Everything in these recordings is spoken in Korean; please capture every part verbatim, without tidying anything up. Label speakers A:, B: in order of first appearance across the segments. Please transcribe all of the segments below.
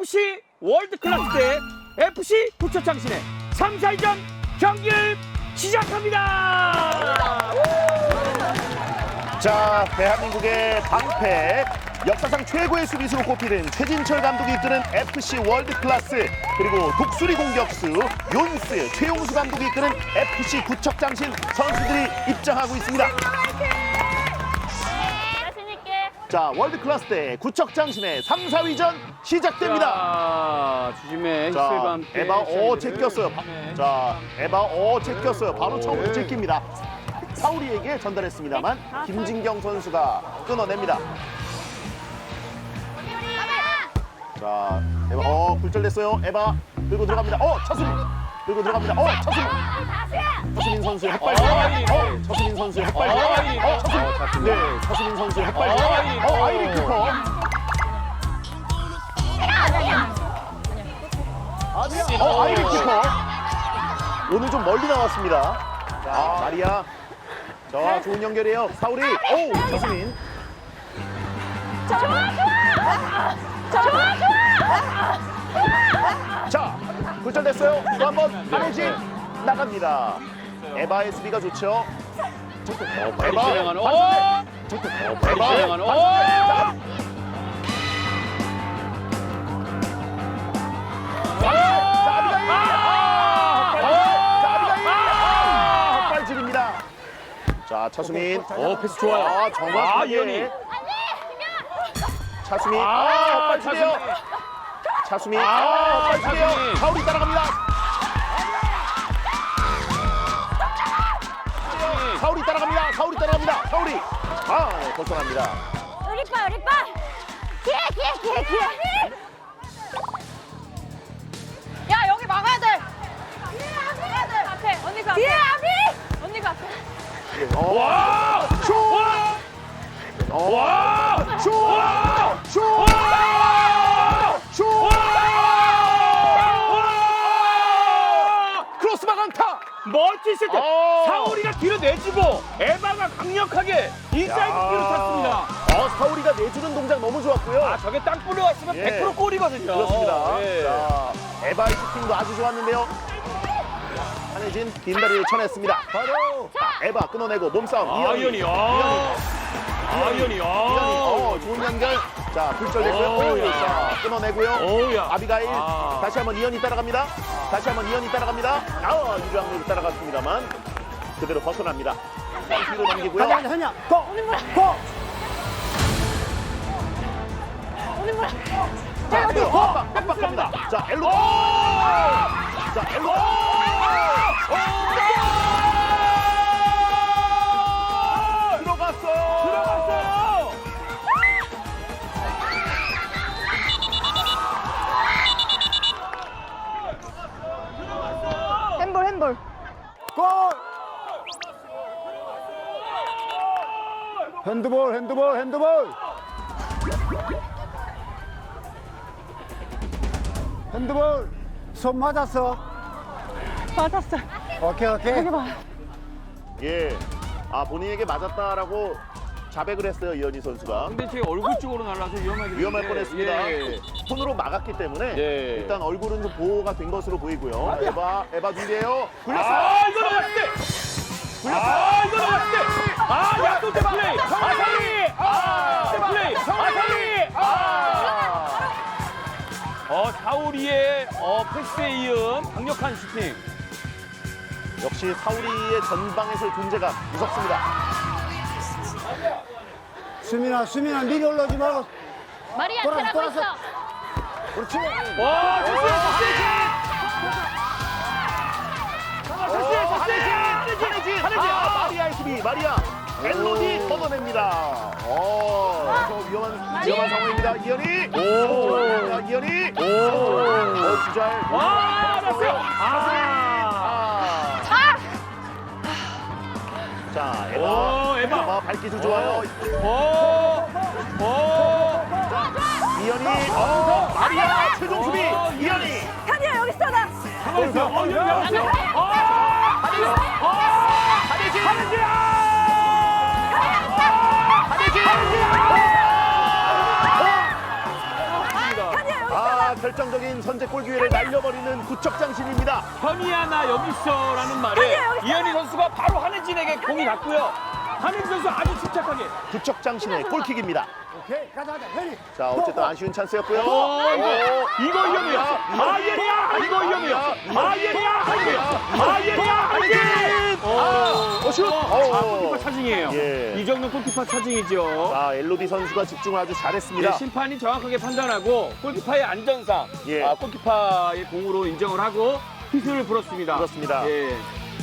A: 에프씨 월드클래스 대 에프씨 부천장신의 삼, 사위전 경기를 시작합니다.
B: 자, 대한민국의 방패, 역사상 최고의 수비수로 꼽히는 최진철 감독이 이끄는 에프씨 월드클래스, 그리고 독수리 공격수 윤스, 최용수 감독이 이끄는 에프씨 구척장신 선수들이 입장하고 있습니다. 자, 월드클래스 대 구척장신의 삼, 사위전 시작됩니다.
A: 자, 주심의
B: 자,
A: 히스와 함께
B: 에바 오
A: 시작이
B: 제꼈어요.
A: 네.
B: 자, 에바 오 제꼈어요. 바로 처음부터 제낍니다. 사우리에게 전달했습니다만 김진경 선수가 끊어냅니다. 자, 에바 어 굴절됐어요. 에바 들고 들어갑니다. 어, 차수민 들고 들어갑니다. 어, 차수민. 차수민 선수의 헛발. 어, 차수민 선수의 헛발. 어, 차수민. 네, 차수민 선수의 헛발. 어, 아이리 키퍼. 어, 아이리 키퍼. 오늘 좀 멀리 나왔습니다. 자, 마리아. 자, 좋은 연결이에요. 사우리. 오, 차수민.
C: 좋아 좋아 좋아 좋아
B: 자, 굴절됐어요. 또 한 번 안혜진 나갑니다. 에바의 수비가 좋죠.
A: 빨리
B: 에바.
A: 진행하는 오!
B: 에바.
A: 빨리 진행하는 오!
B: 자, 헛발질입니다. 자, 차수민.
A: 오, 패스 좋아요.
B: 아, 정확하게.
A: 아, 이현이.
B: 차수민.
A: 아,
B: 아, 헛발질이에요. 차수민.
A: 아,
B: 아, 헛발질이에요.
A: 차수민.
B: 사우리 따라갑니다. 사우리 따라갑니다. 사우리 따라갑니다. 사우리. 아, 벗어납니다.
C: 우리 빠 우리 빠 기회 기회 기회 기회 야 여기 막아야 돼 막아야 돼 앞에 언니가 앞에 뒤에 앞이 언니가 앞에
B: 어.
A: 와!
B: 슛!
A: 와!
B: 어.
A: 와!
B: 슛!
A: 와!
B: 슛!
A: 와!
B: 슛!
A: 와!
B: 크로스 방안타.
A: 멋지실 때
B: 어.
A: 사우리가 뒤로 내주고 에바가 강력하게 인사이드
B: 야.
A: 뒤로 탔습니다.
B: 어, 사우리가 내주는 동작 너무 좋았고요.
A: 아, 저게 땅 뿌려왔으면
B: 예.
A: 백 퍼센트 골이거든요.
B: 그렇습니다.
A: 예.
B: 자, 에바의 슈팅도 아주 좋았는데요. 한혜진 빈다리를 쳐냈습니다. 바로 자, 에바 끊어내고 몸싸움.
A: 아, 이현이. 아, 아, 이현이.
B: 이현이.
A: 아,
B: 어, 좋은 연결. 자, 굴절됐고요.
A: 어우,
B: 오,
A: 야.
B: 자, 끊어내고요.
A: 어우야.
B: 아비가일.
A: 아.
B: 다시 한번 이현이 따라갑니다. 다시 한번 이현이 따라갑니다. 아, 유량으로 따라갔습니다만 그대로 벗어납니다. 뒤로 넘기고요.
D: 하냐 하냐 고! 고!
C: 오늘 뭐야
B: 자, 그대로 빡빡, 빡빡합니다. 자, 엘로. 자, 엘로. 들어갔어요.
A: 들어갔어요.
C: 핸볼 핸볼
D: 골! 핸드볼 핸드볼 핸드볼 핸드볼 손 맞았어
C: 맞았어
D: 오케이 오케이
B: 예. 아, 본인에게 맞았다라고 자백을 했어요, 이현희 선수가.
A: 근데 제 얼굴 쪽으로 날라서 위험하게
B: 위험할
A: 됐는데,
B: 뻔했습니다.
A: 예.
B: 손으로 막았기 때문에
A: 예.
B: 일단 얼굴은 좀 보호가 된 것으로 보이고요. 에바, 에바 준비해요. 굴렸어요.
A: 아, 이거 나왔을 때. 아, 이거 나왔을 때. 아, 약도제 플레이. 아사리. 아, 플레이. 아사리. 아. 어, 사우리의 어, 패스에 이은 강력한 슈팅.
B: 역시 사우리의 전방에서의 존재감 무섭습니다.
D: 수민아 수민아 미리 올라오지 말고
C: 마리아
D: 돌아서,
C: 테라고
D: 돌아서.
C: 있어
D: 그렇지
A: 와, 좋습니다.
B: 오, 한혜진! 한혜진! 한혜진! 아, 마리아의 수비, 마리아. 멜로디 걷어냅니다. 오, 저 위험한, 위험한 상황입니다. 이현이. 오, 자, 이현이. 오, 오, 주잘.
A: 와, 났어요. 아.
B: 아. 자, 에바.
A: 오, 에바.
B: 에바 발기술 좋아요.
A: 오. 오.
B: 이현이. 어, 마리아 최종 수비. 이현이.
C: 카디야 여기 있어 나
A: 가만히 있어. 어, 여기 나왔어요. 어. 어.
B: 한혜진.
A: 한혜진아!
B: 한혜진.
C: 카디야 여기 있어
B: 아, 자, 결정적인 선제골 기회를 날려버리는 구척장신입니다.
A: 현이야 나 여기 있어라는 말에 이현희 선수가 바로 한혜진에게 공이 갔고요. 한혜진 선수 아주 침착하게.
B: 구척장신의 골킥입니다.
D: 오케이, 가자, 가자. 현이.
B: 자, 어쨌든 아쉬운 찬스였고요.
A: 어, 이거,
B: 오.
A: 이거 위험해요. 아, 예리야! 이거 위험해요. 아, 예리야! 한혜진! 아, 예리야! 한혜진!
B: 아, 어, 슛!
A: 아,
B: 어.
A: 골키퍼 차징이에요.
B: 예.
A: 이정도 골키퍼 차징이죠.
B: 자, 엘로디 선수가 집중을 아주 잘했습니다.
A: 네, 심판이 정확하게 판단하고 골키퍼의 안전상
B: 예.
A: 아, 골키퍼의 공으로 인정을 하고 휘슬을 불었습니다.
B: 그렇습니다.
A: 예.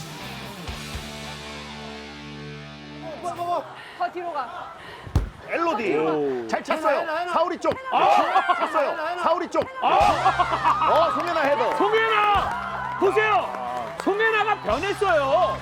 C: 더 뒤로 가.
B: 엘로디 잘 찼어요.
D: 해나, 해나.
B: 사우리 쪽.
A: 아!
B: 찼어요. 사우리 쪽.
A: 아!
B: 어, 송혜나 헤더.
A: 송혜나! 보세요! 송혜나가 변했어요.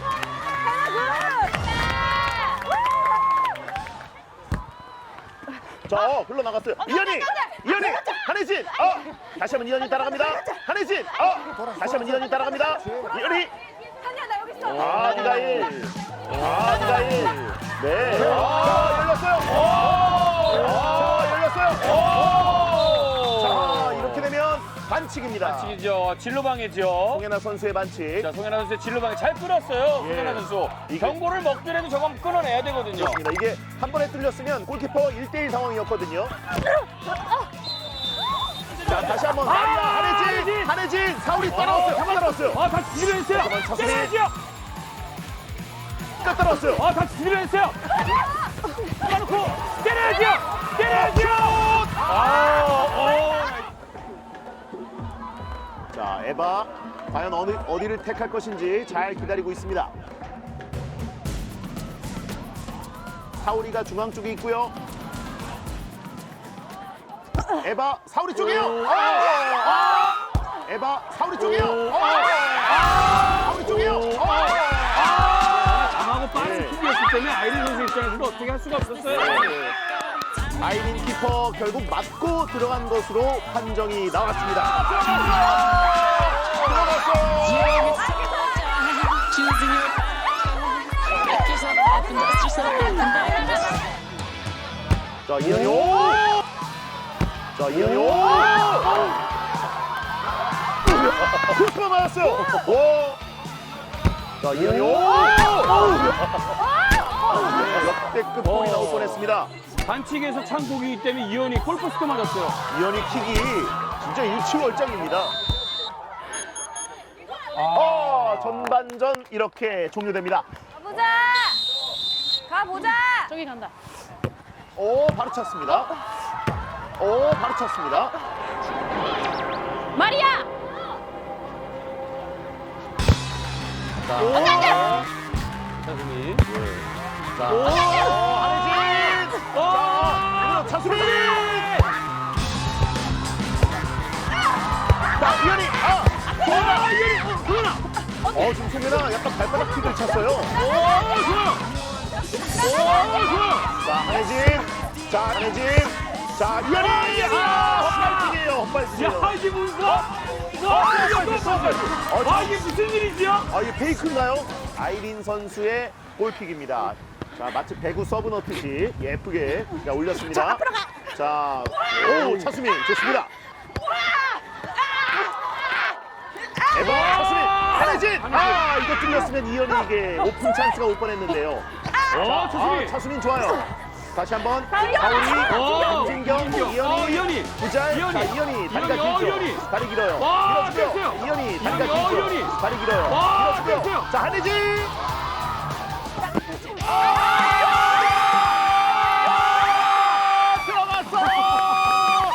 B: 자, 어, 흘러나갔어요. 이현이! 이현이! 한혜진! 어! 다시 한번 이현이 따라갑니다. 한혜진! 어! 다시 한번 이현이 따라갑니다. 이현이!
C: 한이야 나 여기 있어.
B: 아, 니다일! 아, 니다일! 네. 아, 열렸어요! 아, 열렸어요! 자, 이렇게 되면 반칙입니다.
A: 반칙이죠. 진로방해죠.
B: 송혜나 선수의 반칙.
A: 자, 송혜나 선수의 진로방해 잘 끊었어요.
B: 예.
A: 송혜나 선수.
B: 이게-
A: 경고를 먹더라도 저건 끊어내야 되거든요.
B: 그렇습니다. 이게 한 번에 뚫렸으면 골키퍼 일 대일 상황이었거든요. 자, 다시 한번
A: 아,
B: 마리아 한혜진!
A: 한혜진!
B: 한혜진! 사울이 따라왔어요. 한번 따라왔어요.
A: 아, 다시 뒤집어냈어요.
B: 잠깐만, 차수민.
A: 때려야죠.
B: 끝 따라왔어요.
A: 아, 다시 뒤집어냈어요. 까놓고 때려야죠. 때려야죠. 아, 어.
B: 자, 에바 과연 어느, 어디를 택할 것인지 잘 기다리고 있습니다. 사우리가 중앙 쪽에 있고요. 에바 사우리 쪽이에요. 아! 에바 사우리 쪽이에요. 아! 사우리 쪽이에요. 아!
A: 강하고 빠른
B: 네.
A: 킥이었기 때문에 아이린 선수 입장에서도 어떻게 할 수가 없었어요.
B: 아이린 키퍼 결국 맞고 들어간 것으로 판정이 나왔습니다. 들어갔어요.
E: Choosing your Get yourself up and dust yourself up and back and just
B: 자, 이현이 오! 자, 이현이 오! 슈퍼 맞았어요. 오! 자, 이현이 오! 역대급 골이 나올 뻔했습니다.
A: 반칙에서 찬 공이기 때문에 이현이 골포스트 맞았어요.
B: 이현이 킥이 진짜 일치월장입니다. 아, 전반전 이렇게 종료됩니다.
C: 가보자. 가보자. 저기 간다.
B: 오, 바로 찼습니다. 오, 바로 찼습니다.
C: 마리아.
B: 자,
A: 차수민.
B: 자, 오, 한혜진! 자, 차수민! 자, 이현이! 아! 소연아! 이현이! 어, 소연아! 어, 지금 소연아 약간 발바닥 킥을 찼어요.
A: 오, 좋아. 오, 좋아.
B: 자, 한혜진! 자, 한혜진! 자, 이현이! 아! 헛발킥이에요, 헛발킥이에요.
A: 야, 이게 무슨 거? 아, 이게 아, 이게 무슨 일이지요?
B: 아, 이게 페이크인가요? 아이린 선수의 골킥입니다. 자, 마치 배구 서브 넣듯이 예쁘게 자, 올렸습니다. 자, 오, 차수민 좋습니다. 에바, 차수민, 한혜진! 아, 이거 뚫렸으면 이현이에게 오픈 찬스가 올 뻔했는데요.
A: 어,
B: 자,
A: 차수민.
B: 아, 차수민 좋아요. 다시 한번
C: 다은이.
B: 가오리,
A: 어,
B: 김진경,
A: 김진경.
B: 이현이,
A: 어, 이현이.
B: 구잘,
A: 이현이.
B: 자, 이현이 다리가
A: 이현이, 어,
B: 길죠.
A: 이현이.
B: 다리 길어요.
A: 와,
B: 밀어주세요.
A: 됐어요.
B: 이현이 다리가
A: 이현이, 어,
B: 길죠.
A: 이현이.
B: 다리 길어요.
A: 와,
B: 밀어주세요.
A: 됐어요.
B: 자, 한혜진! 들어갔어!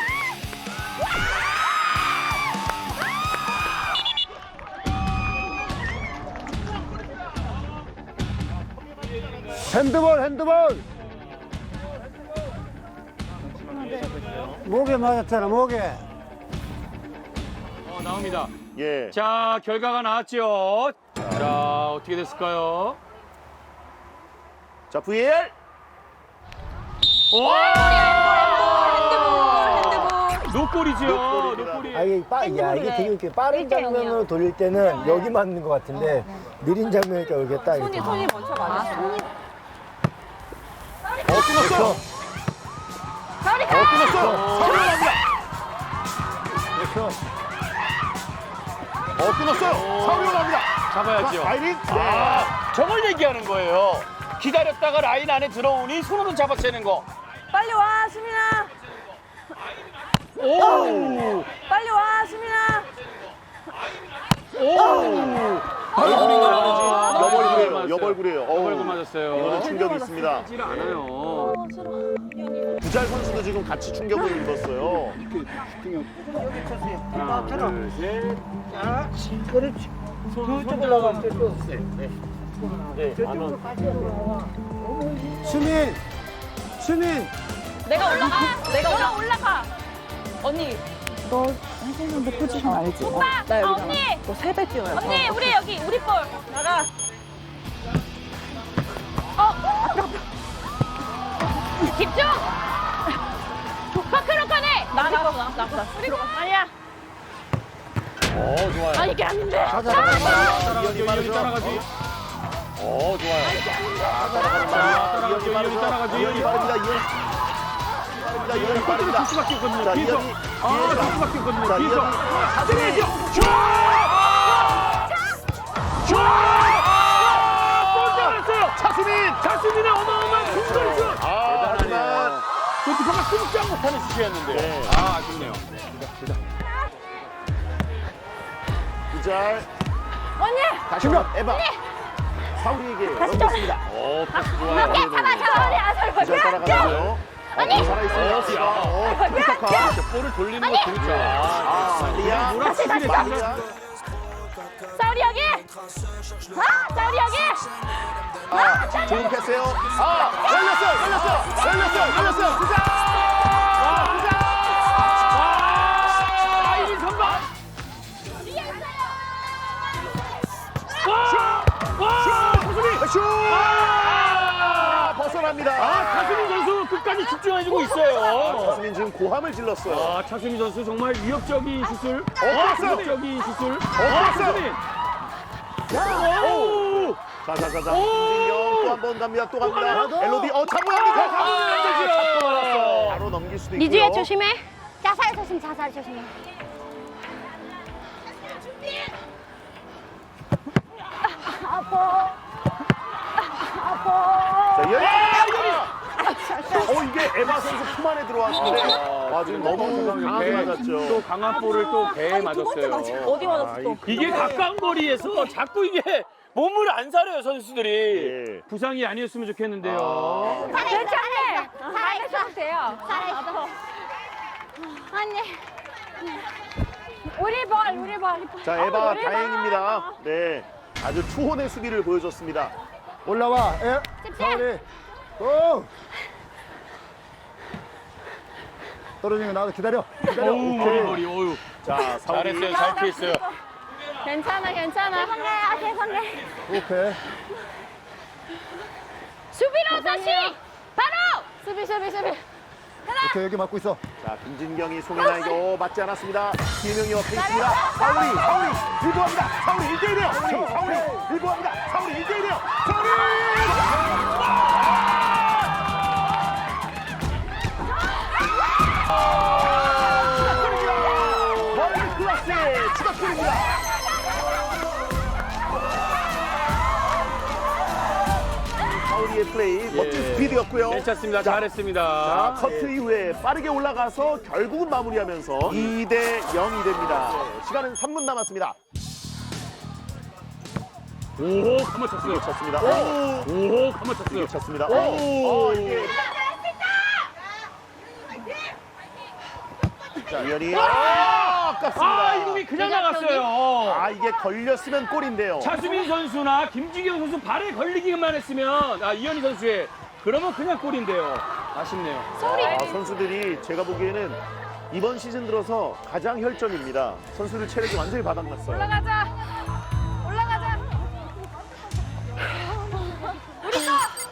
D: 핸드볼, 핸드볼. 목에 맞았잖아, 목에.
A: 어, 나옵니다.
B: 예.
A: 자, 결과가 나왔죠. 자, 어떻게 됐을까요?
B: 자, 브이에이알.
A: 노골이죠.
B: 노골입니다.
A: 노골이.
F: 아, 이게 빠, 야, 이게 되게 이렇게 빠른 장면으로 돌릴 때는 여기 맞는 것 같은데 느린 장면이니까 여기 딱
C: 손이
F: 이렇게.
C: 손이 먼저 맞았어. 손이.
B: 어, 끊었어요.
C: 가오리
B: 어,
C: 가.
B: 끊었어요. 서울로 갑니다. 어, 끊었어요. 사울이 올라갑니다.
A: 잡아야죠.
B: 자, 아이린. 네.
A: 아, 저걸 얘기하는 거예요. 기다렸다가 라인 안에 들어오니 손으로 잡아채는 거.
C: 빨리 와, 수민아.
A: 오!
C: 빨리 와, 수민아.
A: 오!
B: 아, 여벌구래요. 여벌구래요.
A: 여벌구 맞았어요.
B: 이거는 충격이 있습니다.
A: 하질 않아요.
B: 구잘 선수도 지금 같이 충격을 입었어요.
A: 하나, 둘, 셋.
F: 그렇지. 저쪽 올라가. 저쪽. 수민, 수민.
C: 내가 올라가. 내가 올라가. 언니.
G: 너 해주는데 포지션 알지?
C: 오빠,
G: 나
C: 아,
G: 여기잖아.
C: 언니.
G: 너 세 배 뛰어야 돼.
C: 언니, 우리 여기, 우리 볼. 나가. 어, 집중. 파크로커네. 나, 나, 나, 나, 나. 우리 아니야.
A: 어, 좋아요.
C: 아니, 이게 아닌데.
B: 이현이 빠르죠.
A: 따라가지. 어, 좋아요.
B: 따라가지. 이현이
A: 따라가지.
B: 빠르죠. 이현이 빠릅니다. 이현이 빠릅니다. 이현이 빠릅니다.
A: 줄 수밖에 없거든요.
B: 자,
A: 뒤에서.
B: 이현이.
A: 아, 줄 수밖에 없거든요.
B: 자,
A: 뒤에서.
B: 이현이.
A: 사진이죠. 슛! 슛! 골 잡았어요.
B: 차수민.
A: 자수민의 어마어마한 중거리슛.
B: 아, 하지만
A: 골키퍼가 꼼짝 못하는 슛이었는데.
B: 네.
A: 아, 아쉽네요.
B: 구잘.
C: 언니.
B: 다시 한번 에바. 사울이에게 넘겼습니다.
A: 오, 패스 좋아요.
B: 네, 네, 네.
C: 언니, 아설
B: 구잘 따라가고요.
C: 언니.
B: 살아있어요.
A: 어, 야.
B: 어, 킥타카.
A: 볼을 돌리는 거 재밌죠.
B: 아, 리아.
C: 다시, 다시, 다시.
B: 리아.
C: 사우리 여기. 아, 사우리 여기.
B: 아, 좋은 패스요. 아, 걸렸어요, 걸렸어요, 걸렸어요, 걸렸어요. 구잘. 아, 구잘.
A: 아, 아이린 선방. 와! 와! 차수민!
B: 슛!
A: 아!
B: 벗어납니다.
A: 아, 차수민 선수 끝까지 집중해주고 있어요.
B: 차수민 지금 고함을 질렀어요.
A: 아, 차수민 선수 정말 위협적인 슛을.
B: 어,
A: 위협적인 슛을.
B: 어,
A: 차수민. 오!
B: 자, 자, 자, 자.
A: 오!
B: 김진경 또 한 번 갑니다. 또 갑니다.
A: 가나요?
B: 엘로디, 어, 잡고 갑니다.
A: 아,
B: 잡고 말았어. 바로 넘길 수도 있고요.
C: 미주야 조심해. 자살 조심, 자살 조심해. 아파. 아파.
B: 자, 이현이. 어, 이게 에바 선수 품 안에 들어왔는데. 와, 지금 너무 강하게
A: 또
B: 맞았죠.
A: 강한 볼을 또 배에 맞았어요.
C: 어디 맞았어 또?
A: 이게 가까운 거리에서 자꾸 이게 몸을 안 사려요, 선수들이.
B: 예.
A: 부상이 아니었으면 좋겠는데요.
C: 괜찮네. 살아있어도 돼요. 살아있어. 언니. 우리 볼, 우리 볼.
B: 자, 에바 다행입니다. 네. 아주 투혼의 수비를 보여줬습니다.
F: 올라와. 에? 사울이. 고! 떨어지는 거 나도 기다려. 기다려.
A: 어우, 머리, 머리, 어우.
B: 자, 사울이.
A: 잘했어요, 잘 피했어요.
C: 괜찮아, 괜찮아. 죄송해, 아, 죄송해.
F: 오케이.
C: 수비로 다시. 바로. 수비, 수비, 수비.
F: 오케이, 여기 막고 있어.
B: 자, 김진경이 송혜나에게 어, 맞지 않았습니다. 김영이 옆에 있습니다. 사울이, 사울이 일보합니다. 사울이 일 대 일이에요. 사울이 일보합니다. 사울이 일 대 일이에요. 사울이! 축하드립니다. 월드 클래스의 추가골입니다. 사울이의 플레이, 멋진
A: 예.
B: 스피드였고요.
A: 괜찮습니다.
B: 자,
A: 잘했습니다.
B: 자, 커트 이후에 빠르게 올라가서 결국은 마무리하면서 이 대 영이 됩니다. 시간은 삼 분 남았습니다.
A: 오, 감아쳤어요.
B: 쳤습니다.
A: 오,
B: 오,
A: 오, 감아쳤어요.
B: 쳤습니다.
A: 오.
B: 오, 어, 이게. 자, 이현이. 아, 아깝습니다.
A: 아, 이 공이 그냥 나갔어요.
B: 아, 이게 걸렸으면 골인데요.
A: 차수민 선수나 김지경 선수 발에 걸리기만 했으면 아, 이현희 선수의 그러면 그냥 골인데요. 아쉽네요.
B: 아, 선수들이 제가 보기에는 이번 시즌 들어서 가장 혈전입니다. 선수들 체력이 완전히 바닥났어요.
C: 올라가자. 올라가자. 우리 거.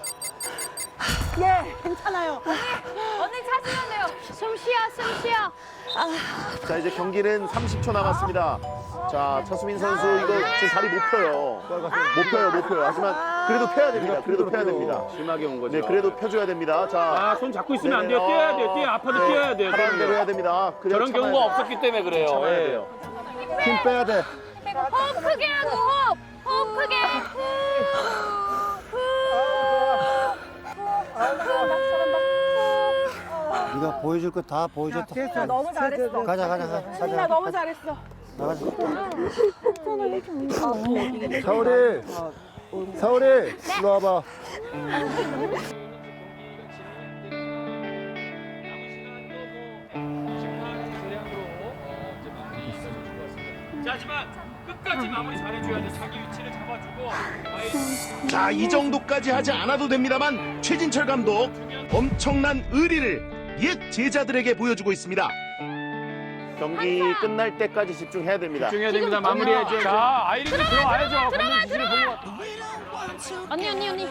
G: 예, 괜찮아요.
C: 언니 찾으면 돼요. 숨 쉬어, 숨 쉬어.
B: 자, 이제 경기는 삼십 초 남았습니다. 자, 차수민 선수 이거 지금 다리 못 펴요. 못 펴요, 못 펴요. 하지만 그래도 펴야 됩니다. 그래도 펴야 됩니다.
A: 심하게 온 거죠.
B: 네, 그래도 펴줘야 됩니다. 자,
A: 아, 손 잡고 있으면 안
B: 네네.
A: 돼요. 뛰어야 돼요.
B: 어,
A: 뛰어. 아파도
B: 네.
A: 뛰어야 돼요.
B: 하라는 대로 해야 됩니다. 그래야
A: 저런
B: 참아야
A: 경우가
B: 돼요.
A: 없었기 때문에 그래요.
B: 참아야
A: 예.
B: 돼요.
D: 힘 빼야 돼.
C: 호흡 크게 하고 호흡. 호흡 크게.
D: 네가 보여줄 거 다 보여줬다.
G: 됐어, 너무 잘했어.
D: 가자, 가자, 가자.
G: 수민아 너무 잘했어.
D: 나가자. 사오리, 사오리, 일로 와봐.
A: 자, 하지만 끝까지 마무리 잘해줘야 돼. 자기 위치를 잡아주고.
B: 자, 이 정도까지 하지 않아도 됩니다만 최진철 감독 엄청난 의리를 옛 제자들에게 보여주고 있습니다. 경기 끝날 때까지 집중해야 됩니다.
A: 집중해야 됩니다. 마무리해줘야 돼. 자, 아이린이 들어와야죠. 감독 지시를 보고.
C: 언니 언니 언니.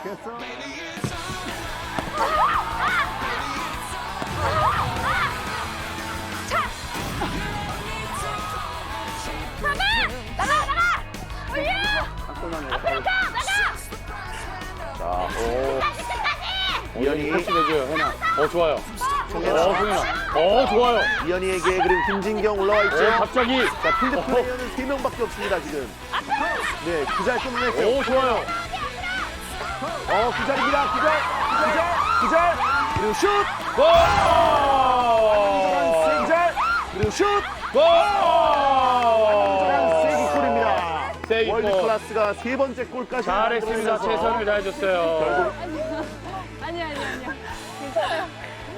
C: 나가 나가. 올려. 앞으로 가 나가.
B: 자, 오, 이현이
A: 해줘요, 해나. 어, 좋아요. 어,
B: 송혜나,
A: 송현아. 어, 좋아요.
B: 이현이에게 그리고 김진경 올라와 있죠.
A: 어, 갑자기.
B: 자, 필드 플레이어는 세 명밖에 없습니다 지금. 네, 기잘 끊어냈어요.
A: 오, 좋아요.
B: 어, 기잘입니다. 기잘, 기잘, 기잘. 그리고 슛.
A: 골!
B: 세 기잘. 그리고 슛.
A: 골!
B: 세기골입니다.
A: 세기골.
B: 월드 클래스가 세 번째 골까지
A: 잘했습니다.
B: 만들어내면서
A: 최선을 다해줬어요.
C: 아니 아니 아니야. 괜찮아요.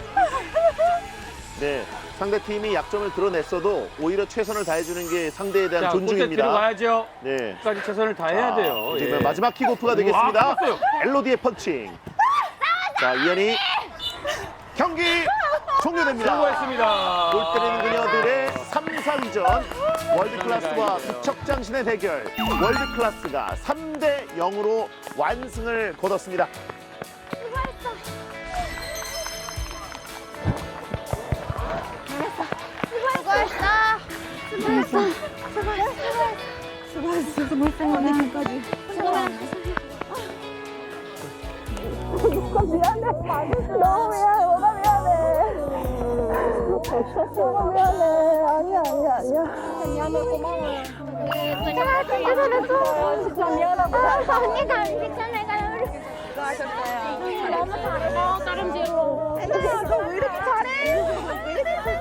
B: 네, 상대 팀이 약점을 드러냈어도 오히려 최선을 다해주는 게 상대에 대한
A: 자, 골대
B: 존중입니다.
A: 들어가야죠.
B: 네.
A: 끝까지 최선을 다해야 돼요.
B: 이제
A: 예.
B: 마지막 킥오프가
A: 아,
B: 되겠습니다.
A: 끝났어요.
B: 엘로디의 펀칭. 자, 이현이 경기 종료됩니다.
A: 수고했습니다.
B: 골 때리는 그녀들의 삼, 사위전 월드 클래스와 부척장신의 대결. 월드 클래스가 삼 대 영으로 완승을 거뒀습니다.
C: 수고했어. 수고했어. 수고했어. 수고했어. 언니 끝까지. 수고했어. 미안해. 너무 미안해. 뭐가 미안해. 너무 미안해. 아니야, 아니야, 아니야. 미안해. 고마워요. 진짜 잘했어. 진짜 미안하고. 언니가 빅션해가요. 수고하셨어요. 너무 잘해. 다름질로. 왜 이렇게 잘해? 왜 이렇게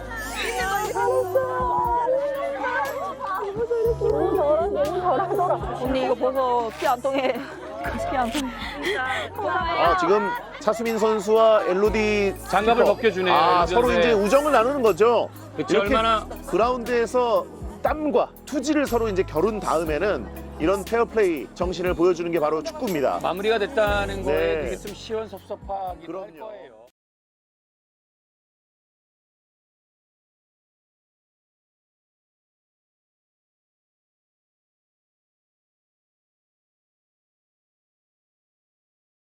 C: 언니 이거 벗어. 피 안 통해. 피 안 통해.
B: 아, 지금 차수민 선수와 엘로디
A: 장갑을
B: 키퍼.
A: 벗겨주네요,
B: 아,
A: 엘로디
B: 서로
A: 선수의.
B: 이제 우정을 나누는 거죠.
A: 그치,
B: 이렇게
A: 얼마나-
B: 그라운드에서 땀과 투지를 서로 이제 겨룬 다음에는 이런 페어플레이 정신을 보여주는 게 바로 축구입니다.
A: 마무리가 됐다는 거에
B: 네.
A: 되게 좀 시원섭섭하기도 할
B: 그럼요.
A: 거예요.